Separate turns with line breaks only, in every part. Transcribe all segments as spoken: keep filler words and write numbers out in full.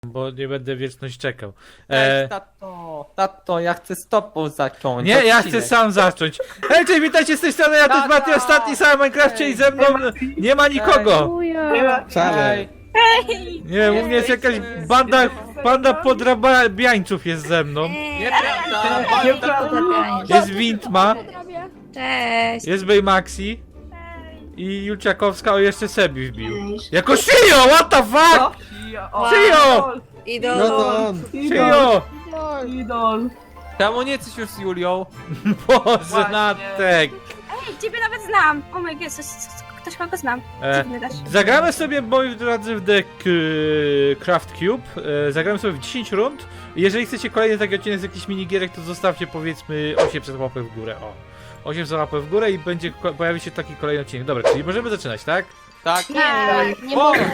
Bo nie będę wieczność czekał.
E...
E...
Tato, tato, ja chcę z tobą zacząć.
Nie, ja
odcinek.
chcę sam zacząć. Hej, cześć, witajcie z tej strony, ja to jest
Tata!
Mati, ostatni sam w Minecrafcie i ze mną nie ma nikogo.
Wcale.
Nie, u mnie jest jakaś banda, banda podrabiańców jest ze mną.
Nieprawda, nieprawda.
Jest Wintma,
Cześć!
jest Baymaxi i Julciakowska, o jeszcze Sebi wbił. Jako Shio, what the fuck? Shio!
Idol!
No to on.
Shio!
Idol. Czemu nie coś już z Julią?
Boże,
Właśnie.
Natek.
Ej, ciebie nawet znam! O my god, coś, coś, ktoś kogo znam.
E,
Dziwny też.
Zagramy sobie, moi drodzy, w The K Craft Cube. E, zagramy sobie w dziesięć rund. Jeżeli chcecie kolejny taki odcinek z jakichś minigierek, to zostawcie powiedzmy osiemset łapek w górę. O, osiemset łapek w górę i będzie pojawi się taki kolejny odcinek. Dobra, czyli możemy zaczynać, tak?
Tak.
Nie, nie
O!
mogę.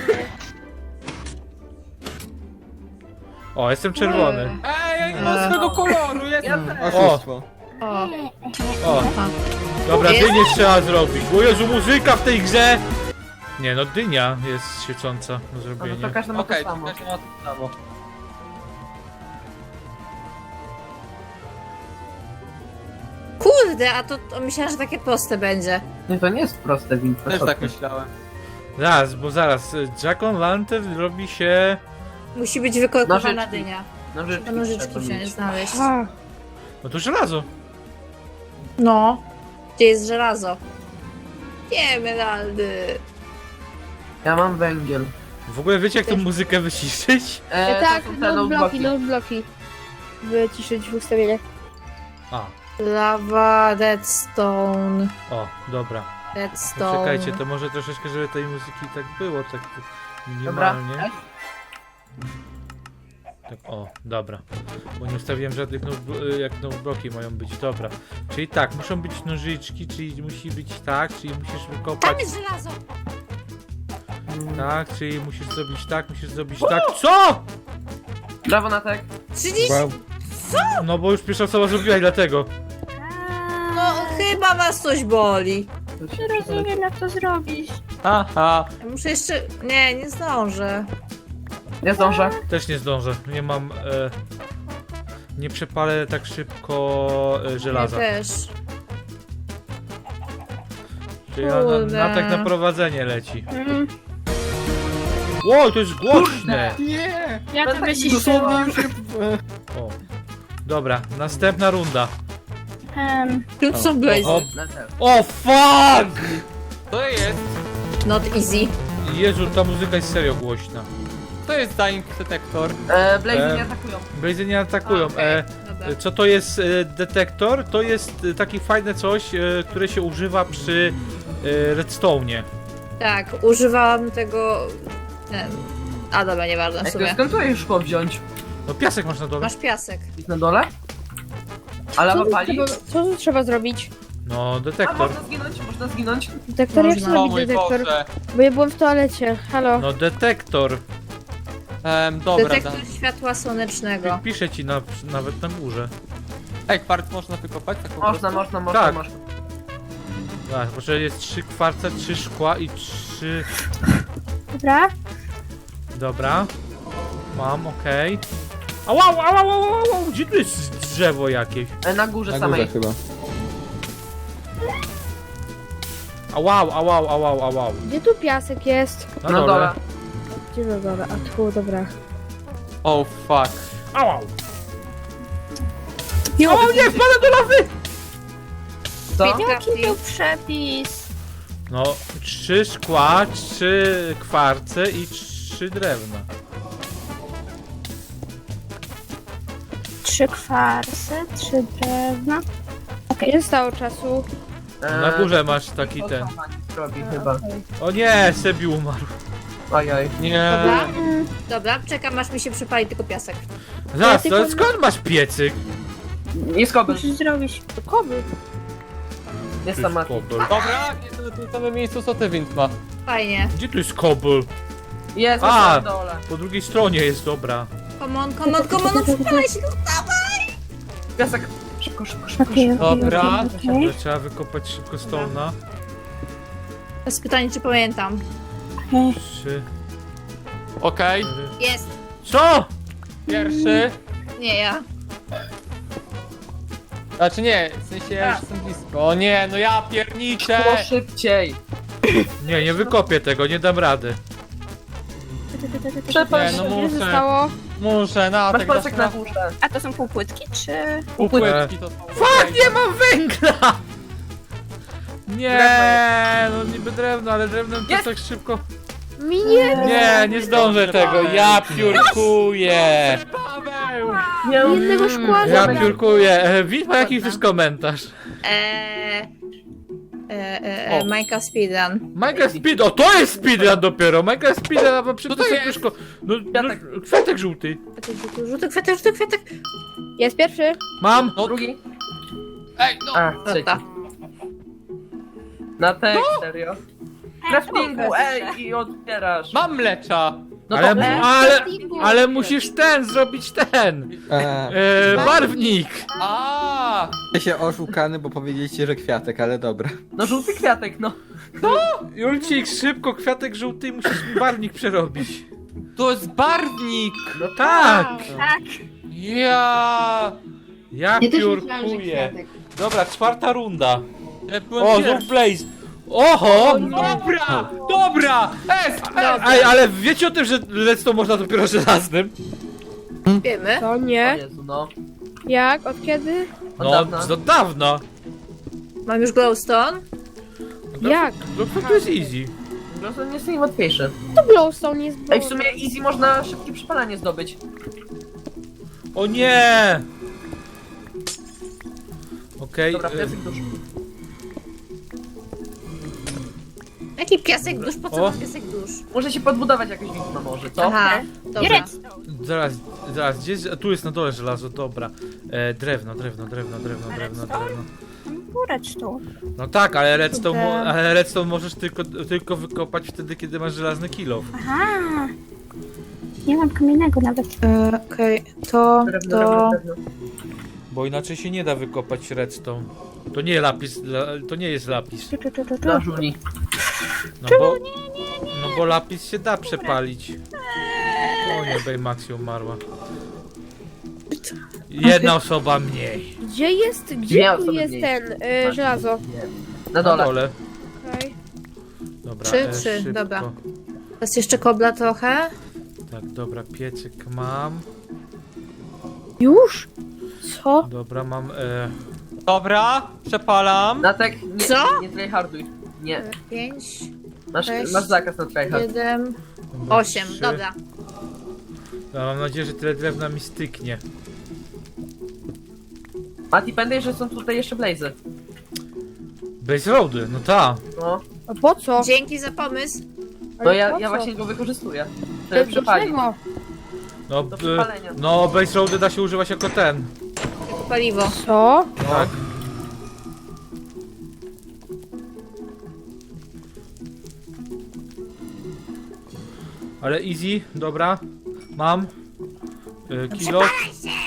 O, jestem czerwony.
Ej, ja nie mam swego koloru, jestem.
O,
O,
o. Dobra,
Jest?
dynię trzeba zrobić. O Jezu, muzyka w tej grze! Nie no, dynia jest świecąca do
No
zrobienia.
to każdy ma
Okej,
to samo.
każdy ma to samo.
kurde, a to, to myślałam, że takie proste będzie.
Nie, to nie jest proste, Wint.
Też tak myślałem.
Zaraz, bo zaraz. Jack o' Lantern robi się...
Musi być wykorkowana
Nożyczki.
dynia.
Nożyczki,
To nożyczki
trzeba
wziąć,
mieć.
znaleźć.
No to żelazo.
No. Gdzie jest żelazo? Nie, emeraldy.
Ja mam węgiel.
W ogóle wiecie jak tą muzykę wyciszyć?
E,
tak,
to są te
no bloki,
bloki.
no bloki. Wyciszyć w ustawieniach.
A,
Lawa, redstone.
o, dobra. To
Redstone.
czekajcie, to może troszeczkę, żeby tej muzyki tak było, tak
Dobra.
minimalnie. Tak, o, dobra. Bo nie ustawiłem żadnych, no, jak no bloki mają być, dobra. Czyli tak, muszą być nożyczki, czyli musi być tak, czyli musisz wykopać
Tam jest żelazo!
tak, czyli musisz zrobić tak, musisz zrobić tak. Co?!
Brawo, Natek.
trzydzieści...
No bo już pierwsza osoba zrobiła i dlatego.
No, chyba was coś boli.
Nie rozumiem jak to zrobić.
Haha.
Ja muszę jeszcze... Nie, nie zdążę.
Ja zdążę.
Też nie zdążę, nie mam... E, nie przepalę tak szybko e, żelaza.
Ja też.
Czyli na, na,
Kurde.
na tak na prowadzenie leci.
Mm,
Ło, to jest głośne!
Nie!
ja to
tak
wyciszyłam.
O. Dobra, następna runda.
Um,
Tu są blazy.
O,
Natek.
o fuck!
To jest.
Not easy.
Jezu, ta muzyka jest serio głośna.
To jest Dying Detector.
E, Blazy
E,
nie atakują.
Blazy nie atakują.
Okej,
E,
dobra.
co to jest e, detektor? To jest e, takie fajne coś, e, które się używa przy e, redstone'ie.
Tak, używałam tego... Nie. A dobra, nieważne w
Ej, to
sumie.
skąd to już szkło wziąć?
No piasek masz na dole.
Masz piasek.
Jest na dole? A lawa
Co tu,
pali?
trzeba, co tu trzeba zrobić?
No,
A
detektor.
można zginąć, można zginąć.
Detektor? Jak
Można.
się
O
robi
mój
detektor?
Boże.
Bo ja byłem w toalecie. Halo.
No detektor.
Em, dobra,
Detektor
da.
światła słonecznego.
Piszę ci na, nawet na górze.
Ej, kwart można wykopać? Tak po
Można,
prostu?
można, można,
Tak.
można.
Tak, bo że jest trzy kwarce, trzy szkła i trzy...
dobra.
Dobra. Mam, okej. Okay. Ała, ała, ała, ała, ała, gdzie tu jest drzewo jakieś?
E, na górze
Na
samej.
górze chyba.
Ałał, ałał, ałał, ałał.
Gdzie tu piasek jest?
Na
Na
dole.
dole.
Gdzie na dole? A tu, dobra.
Oh fuck.
Ałał. O nie, wpadłem do lawy!
Co?
Jaki był przepis?
No, trzy szkła, trzy kwarce i trzy drewna.
Trzy kwarce, trzy drewna.
Ile zostało czasu?
E,
Na górze masz taki
to
ten.
sama nic robi chyba.
O nie, Sebi umarł.
Ojoj.
Nie.
Dobra? Dobra, czekam aż mi się przypali tylko piasek.
Zaraz,
Ja
to
tylko-
skąd masz piecyk?
Nie skobel.
Musisz zrobić.
Koby.
Jest sama.
Kobel.
Dobra, jestem na tym samym miejscu co ty, Wind ma.
Fajnie.
Gdzie tu jest kobel?
Jest
A!
na dole.
Po drugiej stronie jest, dobra.
Come on, come on, come on, no przypalaj się, no dawaj!
Piasek. Szybko, szybko, szybko.
Okej, okej,
Dobra.
okej, okej.
To trzeba wykopać szybko stone'a.
To jest pytanie, czy pamiętam.
Trzy,
Okej.
cztery,
Jest.
Co?
Pierwszy.
Nie ja.
Znaczy nie, w sensie ja już jestem blisko. O nie, no ja pierniczę!
Było szybciej.
Nie, nie wykopię tego, nie dam rady.
Przepaść.
Nie, no
Ile
muszę.
zostało?
Muszę, na
Masz
tak
pasek na
dasz
górze.
A to są półpłytki, czy...
Półpłytki to są.
Fuck, nie mam węgla! Nie, no niby drewno, ale drewnem to
Jest!
tak szybko...
Mi nie.
Nie, nie zdążę tego, ja piórkuję!
Paweł!
Nie,
Jednego szkła
Ja
zabrać.
piórkuję. E, Wit ma jakiś też komentarz.
Eee, e, e, e,
O.
Minecraft Speedrun.
Minecraft Speed, o to jest speedrun dopiero! Minecraft Speedrun, a przy
Co to
tym
jest?
serduszko. No, no,
Kwiatek.
kwiatek żółty.
Żółty kwiatek, żółty kwiatek.
Jest pierwszy.
Mam.
No,
drugi.
ej, no!
A,
No
trzeci.
tak.
Na tek, serio. Craftingu, ej, i otwierasz.
Mam mlecza!
No
Ale,
to e,
ale, ale musisz ten, zrobić ten.
Eee,
E, barwnik.
A,
ja się oszukany, bo powiedzieliście, że kwiatek, ale dobra.
no żółty kwiatek, no.
Julcik, szybko, kwiatek żółty, musisz mi barwnik przerobić.
to jest barwnik!
No tak.
Tak.
Ja.
Ja piórkuję. Dobra, czwarta runda.
Ja byłem
O,
pierwszy.
znów Blaze. Oho!
Dobra! Dobra! Es! Es!
Ej, ale wiecie o tym, że redstone można dopiero żelaznym?
Wiemy.
To
O
nie.
Jezu, no.
Jak? Od kiedy?
Od
No,
dawna.
od dawna.
Mam już glowstone.
Jak?
No to jest easy.
Po prostu nie jest najłatwiejsze.
To glowstone jest.
Ej, w sumie easy można szybkie przypalanie zdobyć.
O nie! Okej.
Dobra,
e,
piasek dusz.
Jaki piasek dusz? Po co
O.
mam piasek dusz?
Muszę się podbudować jakoś widmo może, co?
Aha,
I
dobra.
redstone.
Zaraz, zaraz, gdzie jest, tu jest na dole żelazo, dobra. E, drewno, drewno, drewno, drewno, drewno, drewno.
Był redstone.
No tak, ale redstone, mo-
Kurde.
ale redstone możesz tylko, tylko wykopać wtedy, kiedy masz żelazny kilo.
Aha. Nie mam kamiennego nawet.
E, Okej, to,
Drewno,
to...
drewno, drewno.
Bo inaczej się nie da wykopać redstone. To nie lapis, la, to nie jest lapis.
Tu, tu, tu, tu, tu.
Na żuli.
No bo, no bo lapis się da przepalić. O nie, Baymaxi umarła. Jedna osoba mniej.
Gdzie jest? Gdzie
Miał
tu
sobie
jest
mniej.
ten y, żelazo?
Na
Na
dole.
dole.
Okej.
Dobra,
Trzy,
e,
trzy,
szybko.
dobra. Teraz jeszcze kobla trochę.
Tak, dobra, piecyk mam.
Już? Co?
Dobra, mam. E,
Dobra, przepalam.
Na tek, nie,
Co?
nie tryharduj. Nie.
Pięć,
Masz,
Sześć.
masz zakaz na tryhard.
siedem,
dobra,
osiem.
trzy.
Dobra.
No, mam nadzieję, że tyle drewna mi styknie.
Mati, pamiętaj, że są tutaj jeszcze blazy.
Base roady, no ta.
No,
A po co?
Dzięki za pomysł.
no
Ale
ja,
po
ja
co?
właśnie go wykorzystuję.
Do
Żeby przepalić.
czego?
No,
Do
e,
przepalenia.
no base roady da się używać jako ten.
Jako paliwo.
Co?
Tak. Ale easy, dobra. Mam. E, kill off.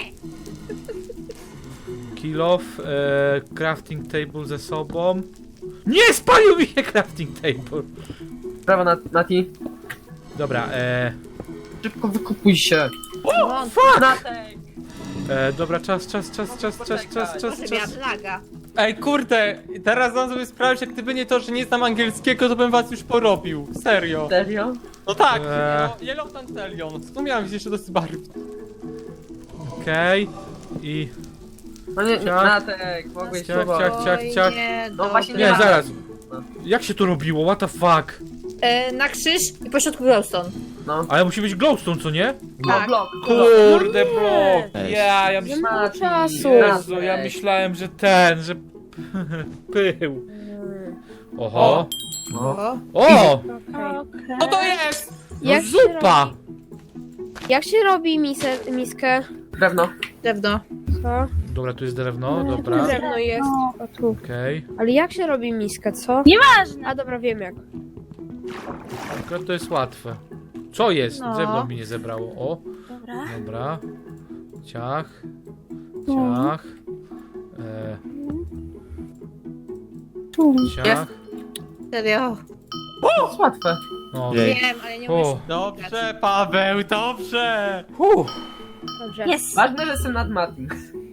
Kill off. E, crafting table ze sobą. Nie, spalił mi się crafting table.
Brawo, Nat- Nati.
Dobra, e,
Szybko wykupuj się.
O,
fuck!
Natek!
E, dobra, czas, czas, czas, czas, czas, czas, czas,
Może miała
czas.
plaga.
Ej, kurde, teraz dam sobie sprawę, że gdyby nie to, że nie znam angielskiego, to bym was już porobił. Serio.
Serio?
No tak,
Eee.
no, Yellow Tantelion. Tu miałem gdzieś jeszcze dosyć barw.
Okej. I...
No nie, nie
Ciach.
Natek, mogłeś
Ciach,
próbować.
ciach, ciach, ciach.
Nie,
No właśnie
Nie,
ma.
zaraz. Jak się to robiło? What the fuck?
E, na krzyż i pośrodku glowstone.
No.
Ale musi być glowstone, co nie?
No,
Tak.
blok.
Kurde,
No nie.
blok!
Ej.
Ja, ja
Za
myślałem...
mało czasu.
Jezu, ja myślałem, że ten, że... Pył. Oho.
O.
O!
Okej.
Co to jest?
No
Jak się
zupa!
robi- Jak się robi misę, miskę?
Drewno.
Drewno.
Co?
Dobra, tu jest drewno,
Tu
dobra.
drewno jest. O, tu.
Okej.
Ale jak się robi miskę, co?
Nieważne.
A dobra, wiem jak.
Akurat to jest łatwe. Co jest?
No.
Drewno mi nie zebrało. O,
Dobra.
dobra. Ciach. Ciach. E,
Tu.
ciach.
Serio.
To jest łatwe.
No.
Jej.
Wiem, ale nie
O.
umiem.
Dobrze, Paweł, dobrze!
Uff.
Dobrze.
Jest.
Ważne, że jestem nad Matim.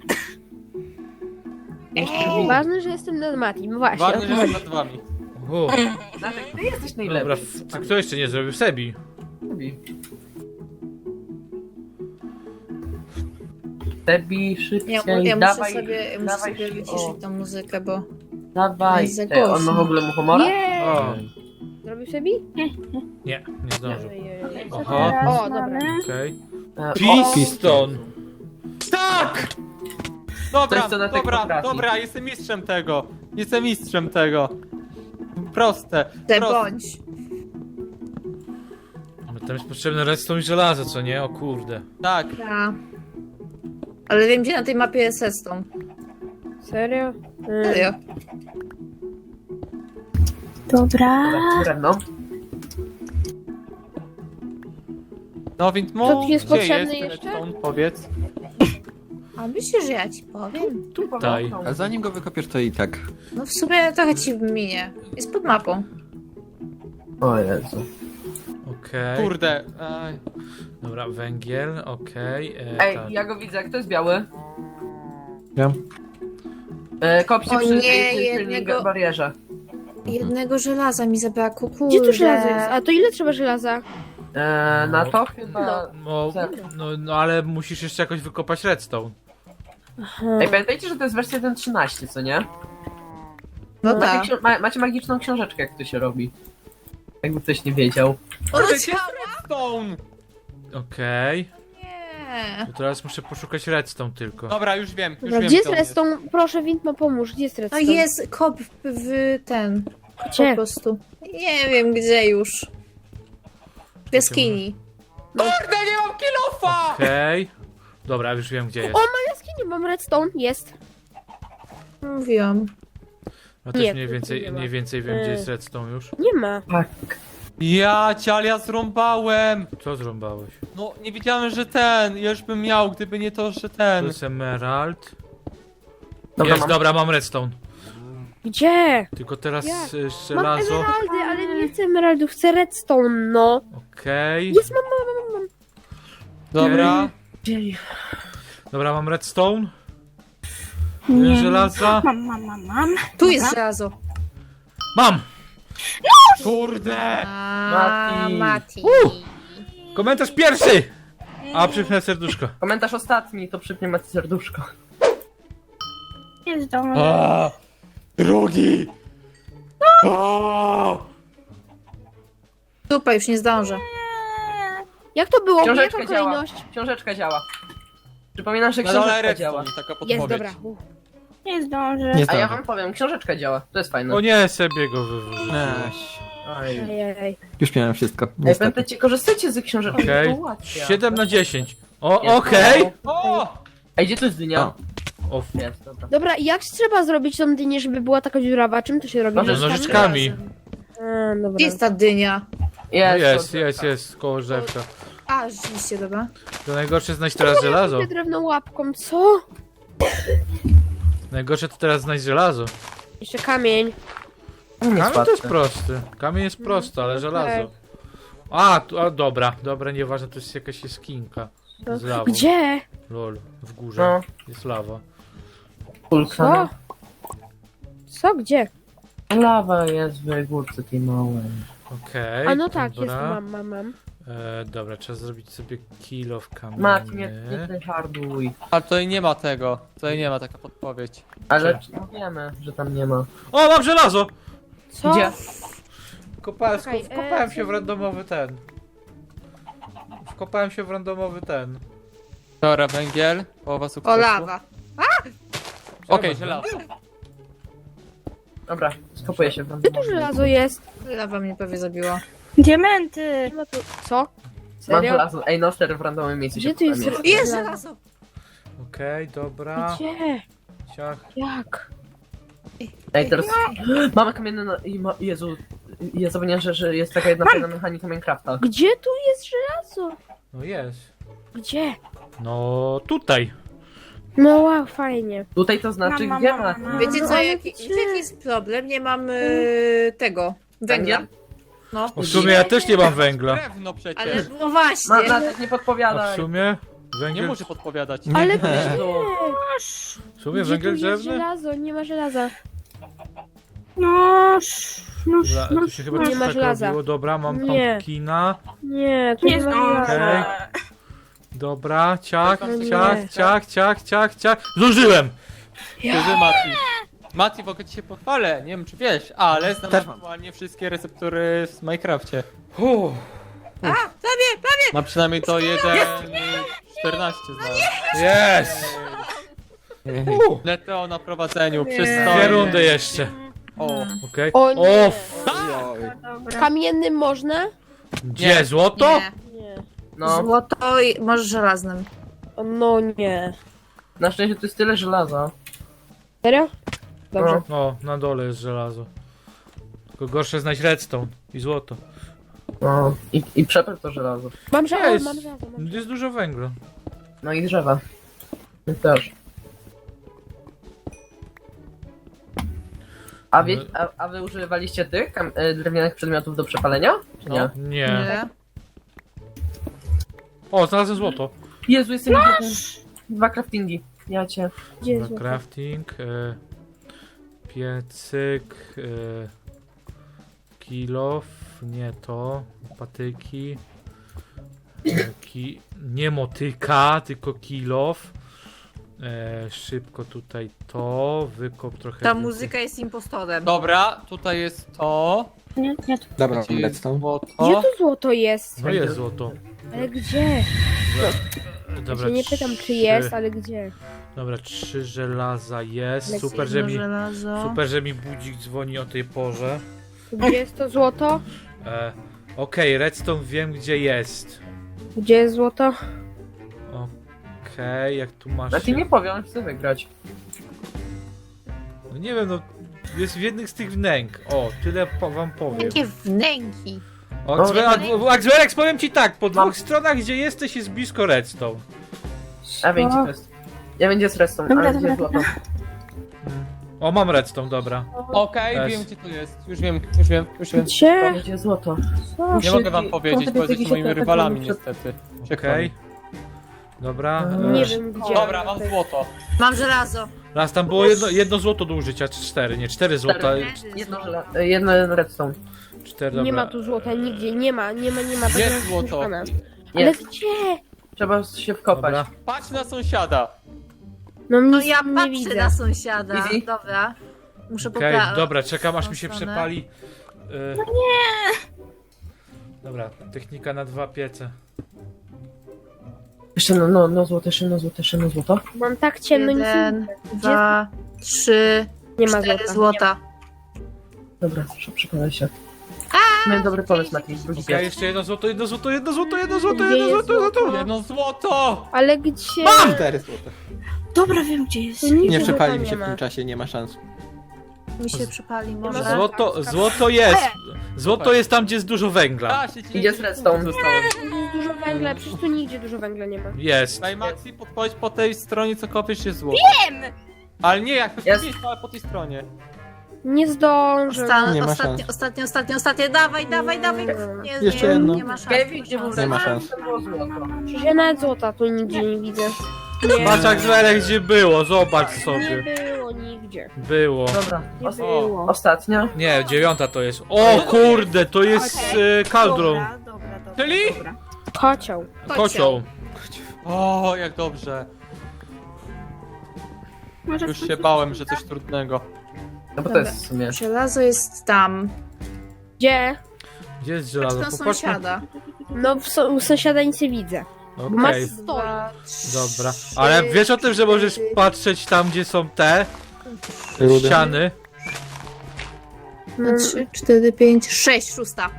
Ważne, że jestem nad Matim, właśnie.
Ważne,
o
że
to
jestem
chodzi.
nad wami.
O.
Znaczy, ty jesteś
Dobra,
najlepszy.
f- kto jeszcze nie zrobił? Sebi.
Tebi,
Ja,
szybciej,
ja muszę
dawaj,
sobie, ja muszę
dawaj,
sobie
o,
wyciszyć tą muzykę, bo...
dawaj.
jest za
Ej, on ma
głośno.
w ogóle muchomora?
Nie!
O.
Zrobił sobie?
Nie, nie zdążył.
Ojej.
Co
Aha.
teraz
O, dobra.
mamy?
Okej.
E,
Piston.
Tak! Dobra,
Coś, co na tego
dobra,
potrafi.
dobra, jestem mistrzem tego. Jestem mistrzem tego. Proste,
Te
proste.
bądź.
No tam jest potrzebne redstone i żelazo, co nie? O kurde.
Tak.
Ja. Ale wiem, gdzie na tej mapie jest redstone.
Serio? Mm.
Serio.
Dobra.
Dobra, drewno.
No więc
To
mu,
tu jest
gdzie
potrzebny
jest
jeszcze?
redstone, powiedz.
A myślisz, że ja ci powiem?
Tutaj.
A zanim go wykopiesz, to i tak.
No w sumie trochę ci minie. Jest pod mapą.
O Jezu.
Okej.
Kurde. Aj.
Dobra, węgiel, okej. e,
Ej,
tak.
ja go widzę, kto jest biały?
Ja.
E, kopcie
O
przy
nie,
tej tylnej
jednego-
barierze.
Jednego żelaza mi zabrakło, kurde.
Gdzie tu żelazo jest? A to ile trzeba żelaza?
E, na to chyba...
No, no, no ale musisz jeszcze jakoś wykopać redstone.
Aha.
Ej, pamiętajcie, że to jest wersja jeden trzynaście, co nie?
No
Macie,
tak.
ksi- ma, macie magiczną książeczkę, jak to się robi. Jakby ktoś nie wiedział.
O,
Kurde, gdzie
ciao!
jest redstone?
Okej.
Nie.
To teraz muszę poszukać redstone tylko.
Dobra, już wiem, już
Dobra,
wiem,
gdzie jest
co on
redstone? Proszę, Wintma, pomóż. Gdzie jest
No
redstone?
jest kop w, w ten. Po
Gdzie?
prostu. Nie wiem gdzie już. W jaskini.
Kurde, nie mam kilofa!
Okej. Dobra, już wiem gdzie jest.
O, ma jaskini, mam redstone. Jest.
Mówiłam.
No też
Nie,
mniej
tu
więcej,
nie ma.
mniej więcej wiem gdzie
Y.
jest redstone już.
Nie ma.
Tak.
Ja cię, ale ja zrąbałem!
Co zrąbałeś?
No, nie wiedziałem, że ten, ja już bym miał, gdyby nie to, że
To
ten.
jest emerald.
Dobra,
Jest,
mam.
dobra, mam redstone.
Gdzie?
Tylko teraz
Jak?
y,
Mam
żelazo.
emeraldy, ale nie chcę emeraldów, chcę redstone, no.
Okej.
Jest, mam, mam, mam, mam.
Dobra.
Dobra, mam redstone. Y, Żelaza.
Mam, mam, mam, mam.
Tu jest żelazo.
Mam!
Kurde!
A,
Mati.
Mati.
Komentarz pierwszy! A, przypnę serduszko.
Komentarz ostatni, to przypnie macie serduszko.
Nie zdążę.
A, drugi! O!
Super, już nie zdążę.
Jak to było?
Książeczka
Jaka
działa.
kolejność?
Książeczka działa. Przypominam, że
Na dole
książeczka
redstone,
działa.
taka podpowiedź.
Jest, dobra. Uff.
Nie zdążę.
Nie
A ja
zdążę.
wam powiem, książeczka działa. To jest fajne.
O nie, sobie go wywrócił.
Eś.
Ej,
Ojej.
Już miałem wszystko.
Ej,
Niestety.
pamiętajcie, korzystajcie z książeczki,
Okej.
to ułatwia.
siedem na dziesięć. O,
Jest.
okej!
O!
Ej, gdzie to jest dynia?
O.
O,
Jest, dobra.
Dobra, i jak trzeba zrobić tą dynię, żeby była taka dziurawa? Czym to się robi?
Może
no, nożyczkami.
A, dobra.
Gdzie jest ta dynia?
No
Jest,
jest,
to-
jest, jest, koło drzewka.
A, rzeczywiście, dobra.
To najgorsze znaleźć teraz żelazo.
Idę drewną łapką, co?
Najgorsze to teraz znaleźć żelazo.
Jeszcze kamień.
Nie jest
Kamień to jest
łatwe.
prosty. Kamień jest prosty, ale żelazo. A, tu, a dobra, dobra, nieważne, to jest jakaś jaskinka. Z lawą.
Gdzie?
Lol, w górze
No,
jest lawa.
kulka.
Co? Gdzie?
Lawa jest w górce tej małej.
Okej,
A no tak, jest,
dobra.
mam, mam, mam.
E, dobra, trzeba zrobić sobie kilo w kamieniu.
Mat, nie, nie tryharduj.
Ale tutaj nie ma tego. Tutaj nie ma taka podpowiedź.
Ale no wiemy, że tam nie ma.
O, mam żelazo!
Co?
Gdzie?
Kopałem,
Czekaj,
wkopałem
e,
się
co-
w randomowy ten. Wkopałem się w randomowy ten.
Dobra, węgiel, połowa sukcesu.
O, lawa.
Okej, żelazo.
Dobra, skopuję się wam.
Gdzie tu żelazo jest?
Lawa mnie prawie zabiła.
Diamenty.
Nie ma tu... Co?
Mam
Serio?
żelazo. Ej, no serio, w randomowym miejscu
Gdzie
się
tu jest
kopałem.
Jest żelazo!
Okej, dobra.
Gdzie?
Ciach.
Jak?
Ej, teraz mamy kamienne no... i ma... Jezu, ja zapomniałem, że, że jest taka jedna fajna mechanika Minecrafta.
Gdzie tu jest żelazo?
No jest.
Gdzie?
No tutaj.
No wow, fajnie.
Tutaj to znaczy,
Mam,
gdzie
mam,
ma?
mam.
Wiecie
No,
co,
ale
jaki,
gdzie?
wiecie, jaki jest problem? Nie mam y, tego, węgla.
Węgiel?
No,
O, w sumie ja też nie mam węgla.
Drewno przecież.
ale no właśnie.
Ma, Natek, nie
A w
podpowiadaj.
sumie
Nie
węgiel...
muszę podpowiadać.
Ale
Jezu.
W sumie
gdzie tu
węgiel
jest
drzewny?
żelazo? Nie ma żelaza.
No, no,
Dobra,
no,
tu się chyba
Nie
coś
ma
tak
żelaza.
robiło. Dobra, mam
Nie.
pumpkina.
Nie, tu
nie
nie ma
zdążę.
żelaza.
Dobra, ciach,
No nie.
ciach, ciach, ciach, ciach, ciach. Zdążyłem!
Ty, Mati. Mati, w ogóle ci się pochwalę, nie wiem czy wiesz, ale znam
Też mam.
aktualnie wszystkie receptury w Minecrafcie.
Uff.
Ma przynajmniej to jeden czternaście znam.
Jest!
Leteo na prowadzeniu,
Nie.
przez
Dwie rundy jeszcze.
O,
Okej.
O nie.
O, f-
Dobra.
Kamiennym można?
gdzie? Złoto?
Nie.
Nie.
No,
Złoto i może żelaznym.
O, no nie.
na szczęście tu jest tyle żelaza.
Serio? Dobrze.
O, na dole jest żelazo. Tylko gorsze znać redstone i złoto.
No, i, i przepel to żelazo.
Mam żelazo,
Jest.
mam żelazo. Mam...
Jest dużo węgla.
No i drzewa. My też. A, wie, a, a wy używaliście tych kam- e, drewnianych przedmiotów do przepalenia? Czy nie?
No.
Nie.
Nie.
O, znalazłem złoto.
Jezu, jestem idiotą. Dwa craftingi. Ja cię.
Gdzie jest
Dobra,
złoto?
crafting. E, piecyk. E, kilof. Nie to. Patyki. E, ki, nie motyka, tylko kilof. E, szybko tutaj to. Wykop trochę.
Ta
więcej.
muzyka jest impostorem.
dobra, tutaj jest to.
Nie, nie, to
Dobra,
Gdzie
mam
jest
redstone.
złoto.
Gdzie tu złoto jest?
No jest złoto.
Ale gdzie? Ja
Dobra,
się nie pytam czy
trzy-
jest, ale gdzie?
Dobra, trzy żelaza jest.
Ale
Super, że
Jedno
mi.
żelazo.
Super, że mi budzik dzwoni o tej porze.
Gdzie jest to złoto?
E, Okej, redstone wiem gdzie jest.
Gdzie jest złoto?
Okej, jak tu masz.
A ty nie powiem, chcę wygrać.
No nie wiem, no. Jest w jednych z tych wnęk. O, tyle po, wam powiem.
Jakie wnęki.
O,
No,
Axwell- Axwellex, powiem ci tak, po dwóch
Mam.
stronach gdzie jesteś jest blisko redstone.
A wiem gdzie to jest. Ja wiem gdzie jest redstone,
Dobra,
ale gdzie jest
dobra,
złoto.
O, mam redstone, dobra.
Okej,
Jest.
wiem gdzie to jest. Już wiem, już wiem, już wiem.
Gdzie?
Powiem gdzie jest złoto.
Nie mogę wam powiedzieć, bo jesteście moimi rywalami
przed-
niestety.
Okej. Dobra.
Nie
E,
wiem gdzie.
Dobra, mam złoto.
Mam żelazo.
raz tam było jedno, jedno złoto do użycia, czy cztery, nie, cztery złota.
Cztery. Jedno, żela- e, jedno redstone.
Cztery, dobra.
Nie ma tu złota nigdzie, nie ma, nie ma, nie ma.
Jest
Będę
złoto.
szukana. Ale
Jest.
gdzie?
Trzeba się wkopać.
Dobra.
Patrz na sąsiada.
No nic
No ja
nie
patrzę
widzę.
na sąsiada.
Easy.
Dobra. Muszę
Okej,
poprawić.
dobra, czekam aż mi się
stronę.
przepali. No nie! Dobra, technika na dwa piece.
Jeszcze no, no, no złoto, jeszcze no złoto, jeszcze no złoto.
Mam tak ciemno, nic nie
Jeden,
widzę. Gdzie?
dwa, trzy,
Nie ma
cztery
złota.
złota.
Dobra, proszę, przekonaj się. Miałem dobry pomysł, Mati. Drugi
Okej,
raz.
jeszcze jedno złoto, jedno złoto, jedno złoto, jedno złoto,
Gdzie
jedno
jest
złoto, złoto.
złoto?
Jedno złoto!
Ale gdzie?
Cztery złote.
Dobra, wiem gdzie jest.
Tu nigdzie
Nie
złota
przepali mi
nie
się w
ma.
tym czasie, nie ma szans.
Mi się przypali
ma
może.
złota.
Złoto, złoto jest. Złoto jest tam, gdzie jest dużo węgla.
A, się ci
Idzie z redstone.
Zostałem.
Jest dużo węgla, przecież tu nigdzie dużo węgla nie ma.
Jest.
Daj Maxi, podpowiedź po tej stronie, co kopiesz jest złoto.
Wiem!
Ale nie, jak
Jest.
jest, ale po tej stronie.
Nie zdążę.
Osta
Nie ma
ostatnie,
szans.
ostatnie, ostatnie, ostatnie. Dawaj, dawaj, dawaj. Nie,
Jeszcze
nie,
jedno.
nie ma szans.
Kevin,
nie
gdzie
ma
był
szans.
Nie ma
redstone?
szans.
To było złoto.
Przecież ja nawet złota tu nigdzie nie widzę. Nie,
Patrz jak zwelek gdzie było, zobacz
nie
sobie.
było nigdzie.
Było.
Dobra,
Nie
os
było.
ostatnia.
Nie, dziewiąta to jest. O kurde, to jest e, kaldrą.
Dobra, dobra, dobra.
Czyli?
Dobra.
Kocioł.
Kocioł.
O, jak dobrze.
Może
Już
w
się bałem, że coś trudnego.
No bo to
Dobra.
jest w sumie.
Żelazo jest tam.
Gdzie?
Gdzie jest
Patrz
żelazo?
na
Popatrzmy.
sąsiada.
No w so u sąsiada nic nie widzę. Bo masz
Okej,
stoi.
Dwa,
dobra.
trzy,
Ale wiesz o tym, że możesz
cztery,
patrzeć tam, gdzie są te
Rudy.
ściany?
Mm,
trzy, cztery, pięć, sześć, szósta.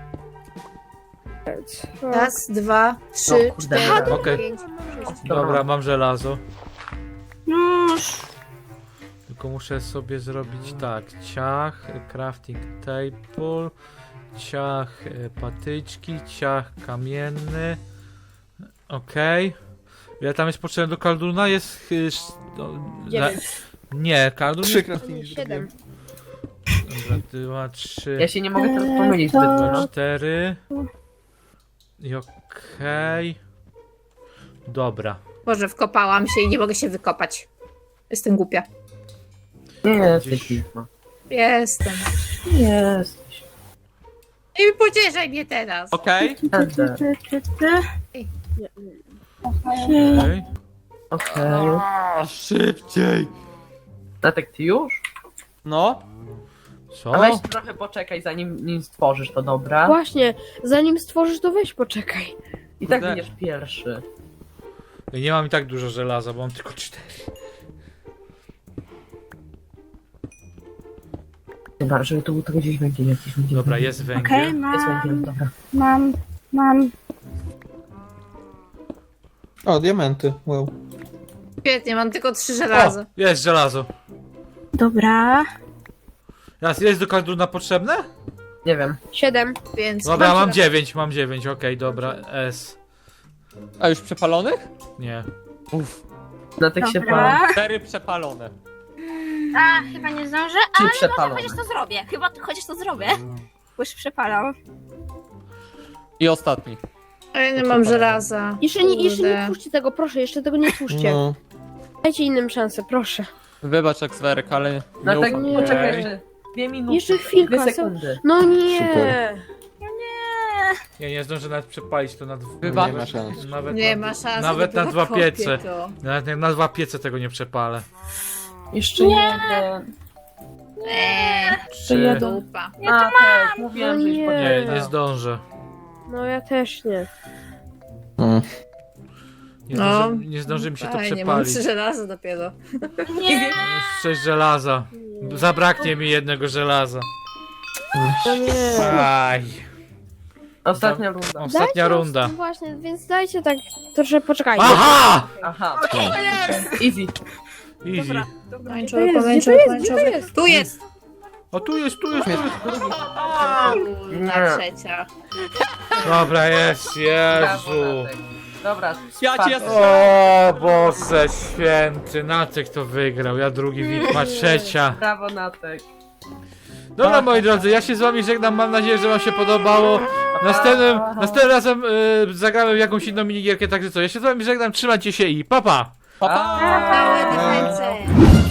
Raz, dwa, trzy,
O kurde,
cztery,
dobra.
Okej.
pięć, sześć.
Dobra, mam żelazo.
No,
Tylko muszę sobie zrobić tak. Ciach, crafting table, ciach, e, patyczki, ciach kamienny. Okej. Ile tam jest potrzebne do kalduna? Jest... y, sz- no, na-
Dziewięć.
nie, kaldun
Trzy
jest...
craftingi
Siedem.
Dobra, dwa, trzy,
Ja się nie mogę teraz pomylić zbyt dużo.
cztery. I okej. Dobra.
Boże, wkopałam się i nie mogę się wykopać. Jestem głupia.
Nie jesteś pisma.
Jestem.
Nie jesteś.
I pocieszaj mnie teraz.
Okej.
Ender.
Ty, ty, ty.
Okej.
Okej.
A, szybciej.
Natek, ty już?
No.
Co?
A weź trochę poczekaj, zanim nim stworzysz to, dobra?
Właśnie, zanim stworzysz, to weź poczekaj.
I tak
Kurde.
będziesz pierwszy.
Ja nie mam i tak dużo żelaza, bo mam tylko cztery.
Dobra, żeby to był to gdzieś będzie jakiś będzie.
Dobra, jest
Okej,
węgiel.
Jest
mam,
węgiel, dobra.
mam, mam.
O, diamenty. Wow.
Świetnie, mam tylko trzy
O,
żelaza.
jest żelazo.
Dobra.
Raz, jest do karduna potrzebne?
Nie wiem.
Siedem.
Więc
Dobra, mam
żelazo.
dziewięć, mam dziewięć, okej, dobra, S.
A już przepalonych?
Nie.
Uff.
Natek się pal.
Dobra.
Cztery przepalone.
A, chyba nie zdążę,
Czy
ale
przepalone?
chociaż to zrobię. Chyba to, chociaż to zrobię. Bo już przepalał.
I ostatni.
A ja nie mam żelaza.
Jeszcze nie, jeszcze nie
Kurde.
tłuszczcie tego, proszę, jeszcze tego nie tłuszcie.
No.
Dajcie innym szansę, proszę.
Wybacz, Ekswerek, ale nie
Natek,
ufam.
Nie.
poczekaj jeszcze. Dwie minuty.
Jeszcze chwilkę,
Dwie
co?
sekundy.
No nie.
Super.
Ja nie zdążę nawet przepalić to na dwa.
Chyba.
Nie ma szans.
Nawet
Nie
na,
ma szans.
Nawet na
dopiero
dwa
kopię
piece.
to.
Nawet jak na dwa piece tego nie przepalę.
Jeszcze jeden.
Eee,
Trzy.
dupa.
Natek, mówiłem,
No
że już
nie.
Nie,
poczekaj.
nie zdążę.
No ja też nie.
Mm.
Nie
No.
zdąży, nie zdąży mi się to
Fajnie, mam
przepalić.
trzy żelaza dopiero.
Nie.
Sześć żelaza. Zabraknie mi jednego żelaza.
No nie.
Aj.
Ostatnia runda.
Ostatnia
Dajcie nam-
runda.
Właśnie, więc dajcie tak troszkę poczekajcie.
Aha!
Aha. Easy.
Easy.
Pomarańczowy,
Gdzie to
pomarańczowy,
jest? Gdzie to
pomarańczowy.
jest?
Tu jest!
O, tu jest, tu jest, tu jest.
Na trzecia.
Dobra, jest,
Brawo,
Jezu.
Natek. Dobra,
Ja ci
czwarty.
jestem-
O Boże święty, Nacek to wygrał, ja drugi Witma, trzecia.
Brawo, Natek.
Dobra moi drodzy, ja się z wami żegnam, mam nadzieję, że wam się podobało. Następnym, następnym razem y, zagramy w jakąś inną minigierkę, także co, ja się z wami żegnam, trzymajcie się i pa pa!
Pa, pa!
Całe defense.